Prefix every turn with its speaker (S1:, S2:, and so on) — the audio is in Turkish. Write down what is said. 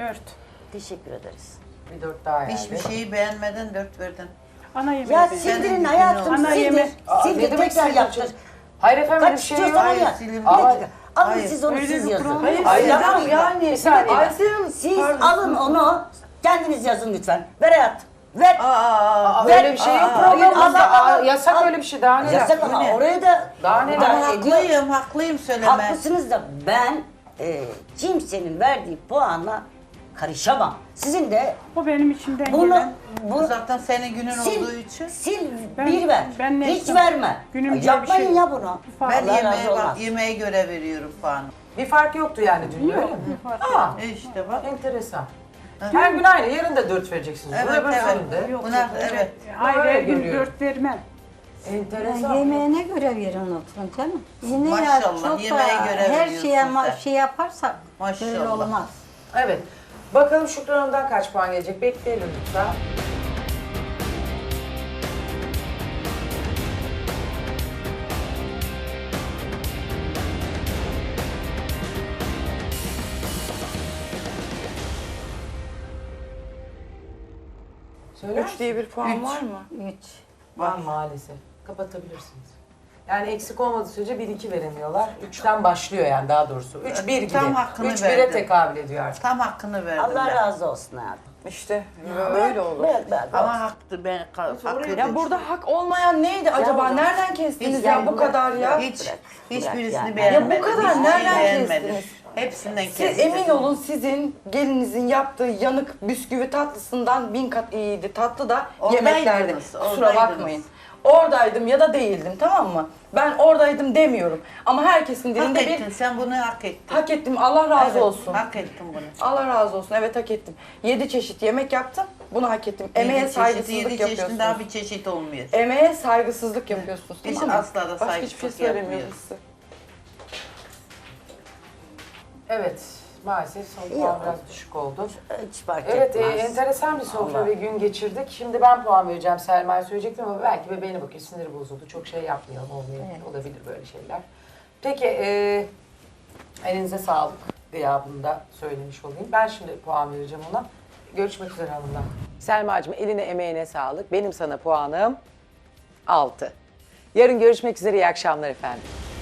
S1: 4.
S2: Teşekkür ederiz.
S3: Bir 4 daha yani.
S4: Hiçbir şeyi beğenmeden 4 verdin.
S1: Ana yemeği
S2: Ya
S1: de.
S2: sildirin hayatım,
S1: Ana
S2: sildir.
S1: yemek.
S2: Sildir,
S3: Ne demek
S2: tekrar
S3: sildir?
S2: yaptır.
S3: Hayır efendim öyle bir
S2: Kaç
S3: şey
S2: istiyorsan
S3: yok.
S2: onu yap.
S4: silin.
S2: Bir dakika. Alın
S4: Hayır.
S2: siz onu
S1: Öyle
S2: siz
S1: bir
S2: yazın.
S1: kural
S3: Hayır,
S1: yok.
S3: hayır,
S2: Yapmayın.
S3: yani.
S2: Bir saniye.
S3: Ayşe
S2: Siz alın onu, kendiniz yazın lütfen. Ver hayat. Ver.
S3: Aa,
S2: Ver.
S3: öyle bir şey yok
S2: Aa,
S3: programımızda.
S2: al, al,
S3: Yasak
S2: al.
S3: öyle bir şey daha neler.
S2: Yasak ama oraya da
S3: Daha neler.
S2: müdahale ediyor.
S4: Haklıyım söyleme.
S2: Haklısınız da ben kimsenin verdiği puanla karışamam. Sizin de
S1: O benim içimden
S2: bunu
S1: gelen.
S2: bu
S4: Zaten senin günün
S2: sil,
S4: olduğu için.
S2: sil
S1: Ben-
S2: bir ver.
S1: ben ne
S2: Hiç
S1: istem-
S2: verme.
S1: Günüm diye bir
S2: Yapmayın
S1: şey
S2: ya
S1: yok.
S2: bunu.
S1: Ben
S4: Ben
S2: Allah
S4: yemeğe
S2: razı
S4: bak,
S2: olmaz.
S4: yemeğe göre veriyorum puanı.
S3: Bir fark yoktu yani dün öyle mi?
S1: Bir fark
S3: Aa,
S4: İşte bak.
S3: enteresan. Her gün aynı, yarın da 4 vereceksiniz.
S4: Evet,
S3: Öbür
S4: evet.
S3: günde.
S1: Yok,
S4: Buna-
S1: yok,
S4: evet.
S1: Hayır,
S3: Öyle
S1: her gün
S3: görüyorum.
S1: 4 vermem.
S3: Enteresan.
S5: Yemeğine göre verin lütfen canım. Yine
S4: Maşallah,
S5: çok
S4: yemeğe
S5: da
S4: göre
S5: her
S4: veriyorsun
S5: şeye
S4: sen.
S5: şey yaparsak böyle
S4: Maşallah.
S5: olmaz.
S3: Evet. Bakalım Şükran Hanım'dan kaç puan gelecek? Bekleyelim lütfen. Söyler
S6: 3 diye bir puan var mı?
S5: 3.
S3: Var maalesef. Kapatabilirsiniz. Yani eksik olmadığı sürece 1-2 veremiyorlar. 3'ten başlıyor yani daha doğrusu. 3-1 gibi.
S4: Tam hakkını
S3: 3-1'e
S4: verdim.
S3: tekabül ediyor artık.
S4: Tam hakkını verdim
S2: Allah
S4: ben.
S2: razı olsun hayatım.
S6: İşte öyle olur.
S2: Ben
S4: Ama haktı ben hak
S6: Ya
S4: ettim.
S6: burada hak olmayan neydi acaba?
S2: bu-
S6: Nereden kestiniz
S4: Hiç-
S6: ya bu kadar ya?
S4: Hiç,
S2: Bırak
S4: hiçbirisini
S2: yani.
S4: beğenmedim.
S6: Ya bu kadar
S4: Hiçbirini
S6: nereden
S4: beğenmedim.
S6: kestiniz?
S4: Hepsinden
S6: Siz
S4: kestim.
S6: emin olun sizin gelinizin yaptığı yanık bisküvi tatlısından 1000 kat iyiydi. Tatlı da
S4: Oradaydınız,
S6: yemeklerde. Kusura
S4: oradaydınız.
S6: bakmayın. Oradaydım ya da değildim, tamam mı? Ben oradaydım demiyorum. Ama herkesin
S4: Hak
S6: dilinde
S4: ettin,
S6: bir
S4: sen bunu hak ettin.
S6: hak ettim. Allah razı
S4: Evet,
S6: olsun.
S4: Hak ettin bunu.
S6: Allah razı olsun. Evet, hak ettim. 7 çeşit yemek yaptım. Bunu hak ettim. Emeğe
S4: Yedi
S6: saygısızlık
S4: çeşit, yedi
S6: yapıyorsunuz.
S4: çeşitin daha bir çeşit olmuyor.
S6: Emeğe saygısızlık yapıyorsunuz.
S4: Biz
S6: Tamam mı?
S4: asla da
S6: Başka hiçbir şey
S4: saygısızlık
S6: söylemiyoruz
S4: yapmıyoruz.
S6: size.
S3: Evet. Maalesef son puan biraz düşük oldu.
S2: Hiç fark
S3: Evet,
S2: etmez.
S3: enteresan bir sofra
S2: Allah.
S3: ve gün geçirdik. Şimdi ben puan vereceğim, Selma'ya söyleyecektim ama belki bebeğine bakıyor, siniri bozuldu. Çok şey yapmayalım, olmayabilir, olabilir böyle şeyler. Peki, elinize sağlık gıyabını da söylemiş olayım. Ben şimdi puan vereceğim ona. Görüşmek üzere hanımlar. Selma'cığım eline emeğine sağlık. Benim sana puanım 6. Yarın görüşmek üzere, iyi akşamlar efendim.